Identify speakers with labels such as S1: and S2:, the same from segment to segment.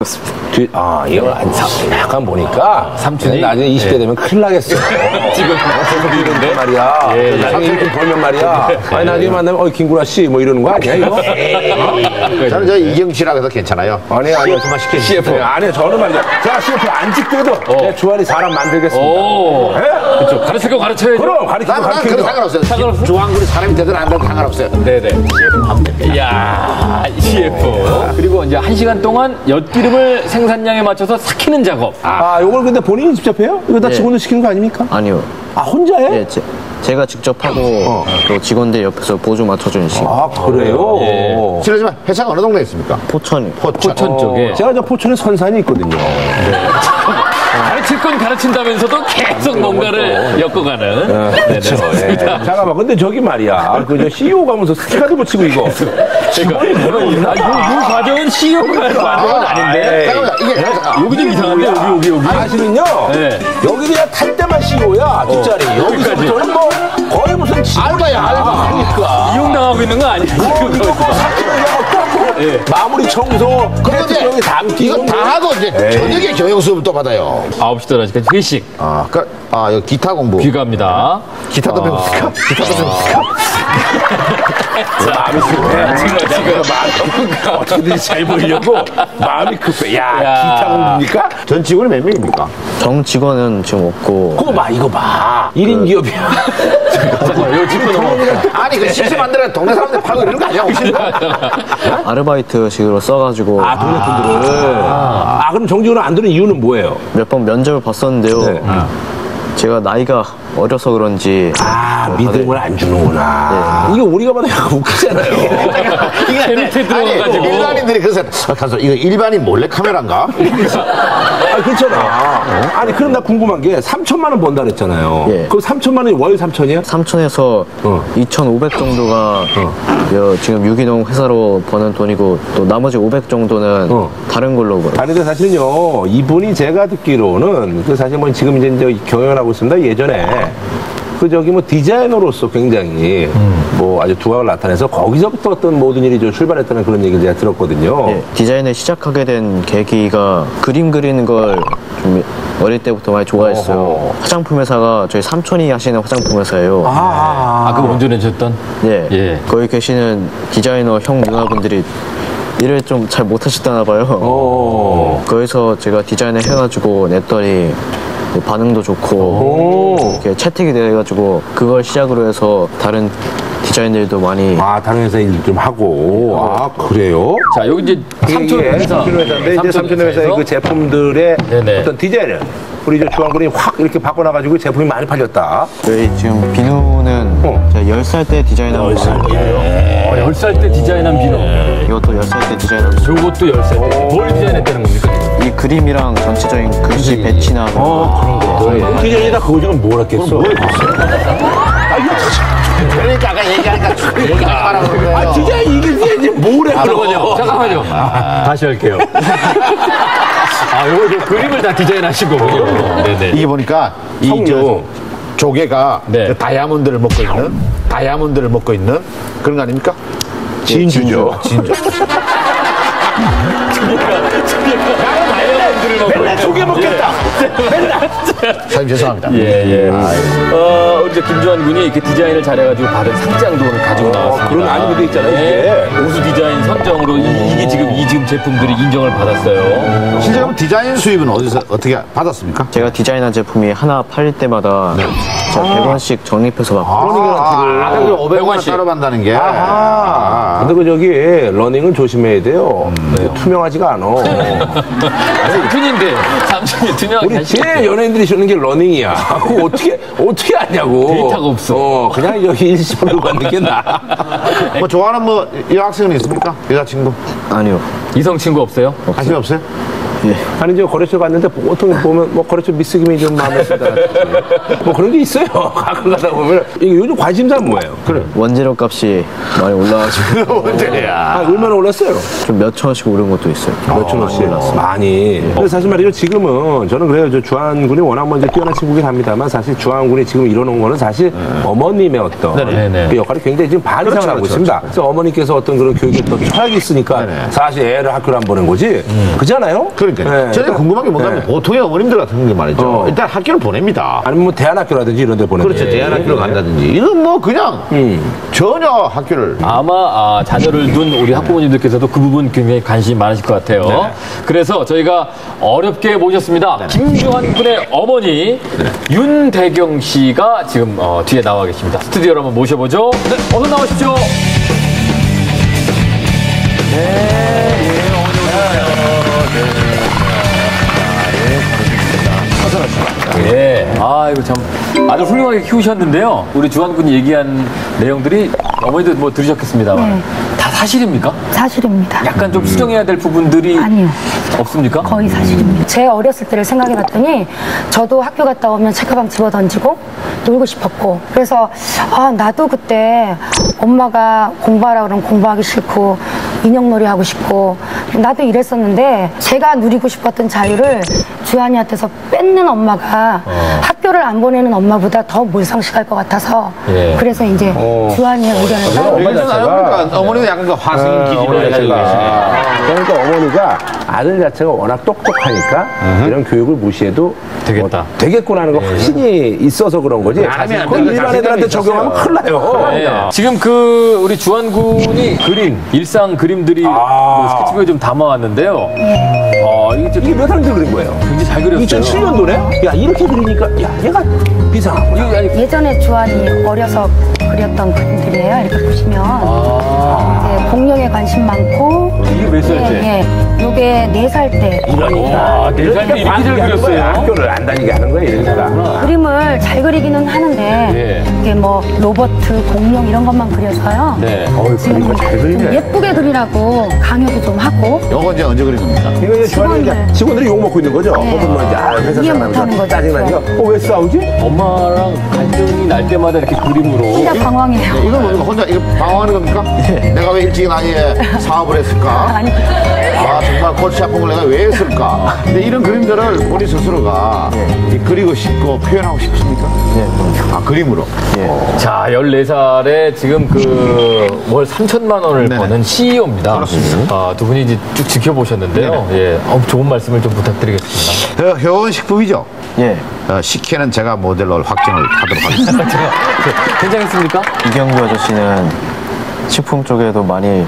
S1: 이거 약간 보니까 삼촌이 나중에 20대 되면 큰일 나겠어.
S2: 지금
S1: 이런데 말이야. 나중에 이렇게 벌면 말이야. 아니 나중에 만나면 김구라 씨 뭐 이러는 거 아니야 이거?
S3: 저는 저 이경 씨라고 해서 괜찮아요.
S1: 아니요.
S3: CF만 시켜주세요.
S1: CF. 아니요 저는 말이야. 제가 CF 안 찍더라도 내 주한이 사람 만들겠습니다.
S2: 그렇죠. 가르칠 거 가르쳐야죠.
S1: 그럼 가르치고
S3: 나는 그거 상관없어요. 중앙군이 사람이 되든 안 되든 상관없어요.
S2: 네네.
S3: CF 하면 됩니다.
S2: 이야, CF. 그리고 이제 1시간 동안 엿기름을 생산량에 맞춰서 삭히는 작업.
S1: 요걸 근데 본인이 직접 해요? 이거 다 직원들 시키는 거 아닙니까?
S4: 아니요.
S1: 혼자 해?
S4: 예, 제가 직접 하고 또 직원들 옆에서 보조 맞춰주는 식으로.
S1: 그래요?
S3: 실례지만 회사가 어느 동네에 있습니까?
S4: 포천이.
S2: 포천 쪽에.
S1: 제가 저 포천에 선산이 있거든요.
S2: 가르칠 건 가르친다면서도 계속 뭔가를 엮어가는. 네네.
S1: 잠깐만, 근데 저기 말이야. 그 CEO 가면서 스티커도 붙이고 이거.
S2: 그러니까. 이 과정은 CEO가 하는 과정은 아닌데.
S3: 잠깐만, 이게
S2: 여기 좀 이상한데, 여기.
S1: 사실은요.
S2: 네.
S1: 여기 그냥 탈 때만 CEO야, 뒷자리. 여기서부터는 뭐 거의 무슨
S3: 알바야, 알바.
S1: 그러니까.
S2: 이용당하고 있는 거 아니야? 지금
S1: 마무리 청소,
S3: 그런데
S1: 여기 담기
S3: 이거 다 하고 이제 저녁에 경영 수업을 또 받아요.
S2: 9시 들어가니까 회식.
S3: 여기 기타 공부.
S2: 귀가입니다.
S3: 기타도 배웁니까? 기타도 배웁니까?
S1: 마음이 급해. 지금 어떻게든지 잘 보이려고 마음이 급해. 야, 기타 공부입니까?
S3: 전 직원이 몇 명입니까?
S4: 정 직원은 지금 없고.
S1: 그거 봐, 이거 봐. 1인 기업이야.
S2: 이거 짚고 넘어.
S3: 아니, 그 식스 만들어 동네 사람들 팔고 이런 거 아니야, 혹시?
S4: 아르바이트식으로 써가지고
S1: 동네 분들을. 그럼 정직원은 안 드는 이유는 뭐예요?
S4: 몇 번 면접을 봤었는데요. 제가 나이가 어려서 그런지
S1: 믿음을 안 주는구나. 이게 우리가 봐도 약간 웃기잖아요.
S2: 밑에 들어가가지고.
S3: 일반인들이 그래서 가서 이거 일반인 몰래 카메라인가?
S1: 그렇잖아. 아니, 그럼 나 궁금한 게 3천만 원 번다 그랬잖아요.
S4: 예.
S1: 그럼 3천만 원이 월 3천이야?
S4: 3천에서 2,500 정도가 지금 유기농 회사로 버는 돈이고 또 나머지 500 정도는 다른 걸로 벌어요.
S1: 아니, 근데 사실은요, 이분이 제가 듣기로는 사실 뭐 지금 이제 경영을 하고 있습니다. 예전에 뭐 디자이너로서 굉장히 뭐 아주 두각을 나타내서 거기서부터 어떤 모든 일이 좀 출발했다는 그런 얘기를 제가 들었거든요.
S4: 네, 디자인을 시작하게 된 계기가 그림 그리는 걸 좀 어릴 때부터 많이 좋아했어요. 화장품 회사가 저희 삼촌이 하시는 화장품 회사예요.
S2: 그거 운전해줬던?
S4: 네,
S2: 예.
S4: 거기 계시는 디자이너 형 누나분들이 일을 좀 잘 못하셨다나 봐요. 거기서 제가 디자인을 해가지고 냈더니 반응도 좋고 이렇게 채택이 돼가지고 그걸 시작으로 해서 다른 디자인들도 많이
S1: 다른 회사 일 좀 하고. 그래요?
S2: 자, 여기 이제 삼촌 회사.
S1: 삼촌 회사인데 이제 삼촌 회사의 그 제품들의
S2: 네네.
S1: 어떤 디자인을 우리 이제 주한군이 확 이렇게 바꿔놔가지고 제품이 많이 팔렸다.
S4: 저희 지금 비누는 제가 10살 때 디자인한 거예요.
S2: 10살 때 디자인한 비누.
S4: 이것도 10살 때 디자인한 거.
S2: 요것도 10살 때. 뭘 디자인했다는 겁니까?
S4: 이 그림이랑 전체적인 글씨 배치나 그런 거.
S1: 디자인이다 그거 지금 뭘 했겠어?
S3: 그러니까 아까 얘기하니까 얘기하지 말라고 그런 거예요.
S1: 디자인 이게 디자인이 뭘 해?
S2: 잠깐만요. 다시 할게요. 요거 저 그림을 다 디자인하신 거군요. 네네.
S3: 이게 보니까 이 조개가
S2: 네.
S3: 그 다이아몬드를 먹고 있는 그런 거 아닙니까?
S1: 진주죠.
S3: 진주.
S1: 맨날 조개 먹겠다.
S3: 사장님 죄송합니다.
S2: 이제 김주환 군이 이렇게 디자인을 잘해가지고 받은 상장도 오늘 가지고 나왔습니다.
S1: 그런 아니고도 있잖아요, 이게.
S2: 우수 디자인 선정으로 이게 지금 제품들이 인정을 받았어요.
S3: 실제 그럼 디자인 수입은 어디서 어떻게 받았습니까?
S4: 제가 디자인한 제품이 하나 팔릴 때마다 제가 100원씩 적립해서 받고
S3: 그럼 500원 따로 받는다는 게.
S1: 근데 그 저기 러닝은 조심해야 돼요. 투명하지가 않아.
S2: 삼촌이 투명하게
S1: 우리
S2: 하시고.
S1: 제일 연예인들이 주는 게 러닝이야. 그거 어떻게 하냐고.
S2: 데이터가 없어.
S1: 그냥 여기 일시불로 받는 게 나아.
S3: 뭐 좋아하는 뭐 여학생은 있습니까? 여자친구?
S4: 아니요.
S2: 이성 친구 없어요?
S3: 관심 없어요?
S1: 아니 이제 거래처 갔는데 보통 보면 뭐 거래처 미스김이 좀 마음에 든다. 뭐 그런 게 있어요. 가끔 가다 보면 이게 요즘 관심사는 뭐예요? 그래.
S4: 원재료 값이 많이 올라가지고
S1: 아, 얼마나 올랐어요?
S4: 좀 몇 천원씩 오른 것도 있어요.
S1: 몇 천원씩 많이. 근데 사실 말이죠. 지금은 저는 그래요. 저 주한군이 워낙 먼저 뛰어난 친구긴 합니다만 사실 주한군이 지금 이뤄놓은 거는 사실 어머님의 어떤 그 역할이 굉장히 지금 반이상을 하고 있습니다. 그래서 어머니께서 어떤 그런 교육에 또 철학이 있으니까 사실 애를 학교를 안 보낸 거지. 그렇잖아요?
S3: 그러니까 저는 궁금한 게 뭔가면 보통의 어머님들 같은 게 말이죠. 일단 학교를 보냅니다.
S1: 아니면 뭐 대안학교라든지 이런 데 보내는
S3: 그렇죠. 대안학교를 간다든지. 이건 뭐 그냥 전혀 학교를.
S2: 아마 자녀를 둔 우리 학부모님들께서도 그 부분 굉장히 관심이 많으실 것 같아요. 그래서 저희가 어렵게 모셨습니다. 김주한 군의 어머니 윤대경 씨가 지금 뒤에 나와 계십니다. 스튜디오로 한번 모셔보죠. 네, 어서 나오십시오. 예. 아, 이거 참 아주 훌륭하게 키우셨는데요. 우리 주한 군이 얘기한 내용들이 어머니도 뭐 들으셨겠습니다만 다 사실입니까?
S5: 사실입니다.
S2: 약간 좀 수정해야 될 부분들이
S5: 아니요.
S2: 없습니까?
S5: 거의 사실입니다. 제 어렸을 때를 생각해 봤더니 저도 학교 갔다 오면 책가방 집어 던지고 놀고 싶었고 그래서 나도 그때 엄마가 공부하라 그러면 공부하기 싫고 인형놀이 하고 싶고 나도 이랬었는데 제가 누리고 싶었던 자유를 주한이한테서 뺏는 엄마가 학교를 안 보내는 엄마보다 더 몰상식할 것 같아서 그래서 이제 주한이의 의견을 따르고
S3: 그러니까 어머니는 약간 그 화승인 기질을 가지고 계시네.
S1: 그러니까 어머니가 아들 자체가 워낙 똑똑하니까 이런 교육을 무시해도
S2: 되겠다.
S1: 되겠구나 하는 거 확신이 있어서 그런 거지.
S3: 안
S1: 그건
S3: 돼.
S1: 일반 애들한테 적용하면 큰일 나요.
S2: 네. 지금 그 우리 주한 군이 그린 일상 그림들이 뭐 스케치북에 좀 담아왔는데요.
S1: 이게 몇 학년 때 그린 거예요?
S2: 굉장히 잘 그렸어요.
S1: 2007년도네? 야, 이렇게 그리니까, 야, 얘가 비상하구나.
S5: 예전에 주한이 어려서 그렸던 그림들이에요. 이렇게 보시면 이제 공룡에 관심 많고
S2: 이게 몇 살 때?
S5: 예, 요게 4살 때
S2: 와, 네 살 때 이렇게 잘 그렸어요.
S1: 학교를 안 다니게 하는 거야, 이러니까.
S5: 그림을 잘 그리기는 하는데 이게 뭐 로버트, 공룡 이런 것만 그려서요.
S2: 네.
S5: 지금 좀 예쁘게 그리라고 강요도 좀 하고
S3: 요거 이제 언제 그린 겁니까?
S1: 이거 이제 주한이 직원들이 욕먹고 있는 거죠? 혹은 뭐 이제, 회사
S5: 이해 못하는
S1: 사람들
S5: 거죠.
S1: 짜증나니까, 왜 싸우지?
S2: 엄마랑 갈등이 날 때마다 이렇게 그림으로
S5: 진짜 방황해요.
S3: 이건 뭡니까? 혼자 이거 방황하는 겁니까? 내가 왜 일찍 나이에 사업을 했을까?
S5: 아니
S3: 정말 골치 아픈 걸 내가 왜 했을까? 근데 이런 그림들을 본인 스스로가 이 그리고 싶고 표현하고 싶습니까? 그림으로.
S2: 자, 14살에 지금 월 3천만 원을
S3: 네네.
S2: 버는 CEO입니다.
S3: 그렇습니다.
S2: 두 분이 이제 쭉 지켜보셨는데요. 예, 좋은 말씀을 좀 부탁드리겠습니다.
S3: 효원식품이죠?
S4: 예.
S3: 식혜는 제가 모델로 확정을 하도록 하겠습니다.
S2: 괜찮겠습니까?
S4: 이경규 아저씨는 식품 쪽에도 많이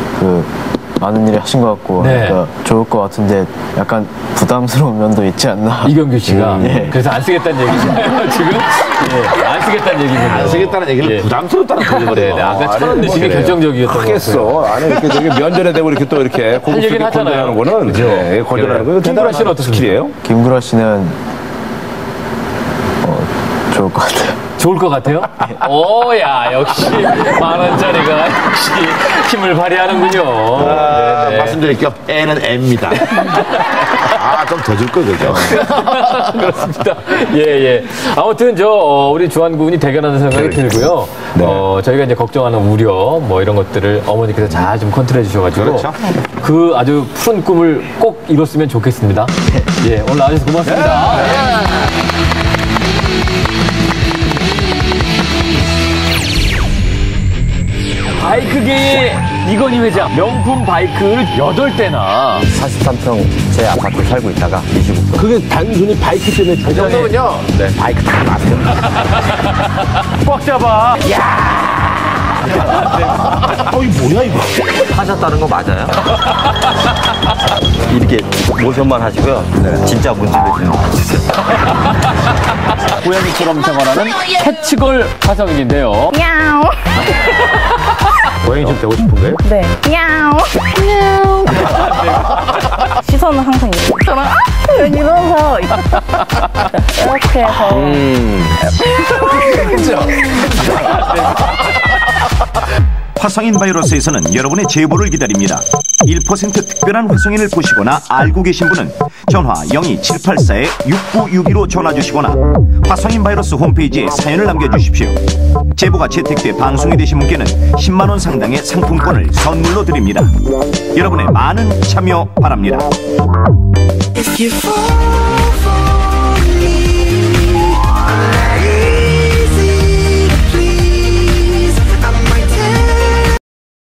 S4: 많은 일을 하신 것 같고
S2: 네.
S4: 그러니까 좋을 것 같은데 약간 부담스러운 면도 있지 않나.
S2: 이경규 씨가
S4: 예.
S2: 그래서 안 쓰겠다는 얘기잖아요. 지금 안 쓰겠다는 얘기군요.
S3: 안 쓰겠다는 얘기를
S2: 예.
S3: 부담스럽다는 거거든요.
S2: 네, 아까 1,000원 내시기 결정적이었던 것 같아요.
S1: 하겠어. 아니, 이렇게 저기 면전에 대고 이렇게 또 이렇게
S2: 얘기는
S1: 고급스럽게
S2: 하잖아요.
S1: 건전하는 거는, 네, 건전하는 거는
S2: 김구라 씨는 어떻습니까?
S1: 스킬이에요?
S4: 김구라 씨는 좋을 것 같아요.
S2: 좋을 것 같아요? 오야, 역시 10,000원짜리가 역시 힘을 발휘하는군요. 네네.
S3: 말씀드릴게요. N은 M입니다. 좀 더 줄 거, 그죠?
S2: 그렇습니다. 예. 아무튼 우리 주한 군이 대견하는 생각이 들고요. 저희가 이제 걱정하는 우려 뭐 이런 것들을 어머니께서 잘 좀 컨트롤해 주셔가지고
S3: 그렇죠.
S2: 그 아주 푸른 꿈을 꼭 이뤘으면 좋겠습니다. 예, 오늘 나와주셔서 고맙습니다. 바이크계의 이건희 회장, 명품 바이크를 8대나.
S4: 43평 제 아파트 살고 있다가 25평.
S1: 그게 단순히 바이크 때문에
S3: 이 정도면요.
S1: 네, 바이크 타지 마세요.
S2: 꽉 잡아.
S1: 이거 뭐야, 이거?
S6: 하셨다는 거 맞아요? 이렇게 모션만 하시고요. 진짜 문제를 좀
S2: 고양이처럼 생활하는 캐치걸 화성인인데요.
S5: 야옹
S1: 고양이 좀 되고 싶은 거예요?
S5: 네 야옹 야옹 시선은 항상 이렇게 저는 이러면서 이렇게 해서
S7: 화성인 바이러스에서는 여러분의 제보를 기다립니다. 1% 특별한 화성인을 보시거나 알고 계신 분은 전화 02784-6962로 전화 주시거나 화성인 바이러스 홈페이지에 사연을 남겨주십시오. 제보가 채택돼 방송이 되신 분께는 10만 원 상당의 상품권을 선물로 드립니다. 여러분의 많은 참여 바랍니다.
S8: If you fall